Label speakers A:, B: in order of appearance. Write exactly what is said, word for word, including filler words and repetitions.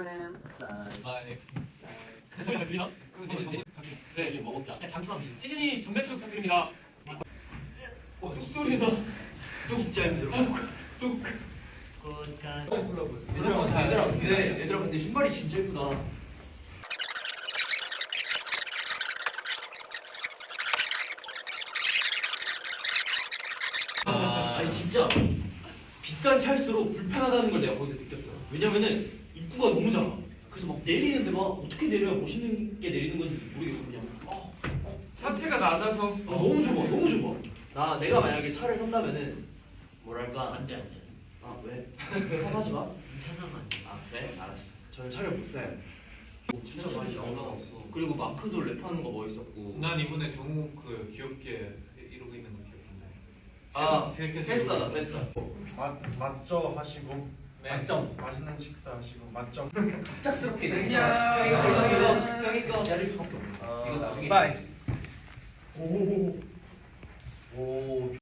A: 잘 들리나? 네, 지금 먹었다. 진짜 단순함. 시즌이 전매출 부탁드립니다. 어, 뚝소리다. 진짜 힘들어. 뚝.
B: 얘들아, 얘들아, 근데 얘들아, 근데 신발이 진짜 예쁘다.
A: 아, 아니 진짜 비싼 차일수록 불편하다는 걸 내가 거기서 느꼈어. 왜냐면은 입구가 너무 작아. 그래서 막 내리는데 막 어떻게 내려야 멋있는 게 내리는 건지 모르겠어. 그냥 어, 어.
C: 차체가 낮아서
A: 아, 너무 좁아, 너무 좁아.
B: 나 내가 만약에 차를 산다면은 뭐랄까?
D: 안돼 안돼.
B: 아 왜? 사가지 마.
D: 차 사면 안 돼.
B: 아 그래? 알았어. 저는 차를 못 사요.
A: 진짜 많이 나왔어. 그리고 마크도 랩하는 거 멋있었고.
C: 난 이번에 정우 그 귀엽게 이러고 있는 거 귀엽던데.
B: 아
C: 계속
B: 패스다 패스.
E: 맛 맛점 하시고
C: 네.
E: 맛점 맛있는 식사 하시고 맛점
B: 갑작스럽게
A: 안녕.
B: 이거 이거 이거 이거 기다릴 수밖에 없어.
A: 아,
B: 이거 나중에.
E: 바이.
B: 오.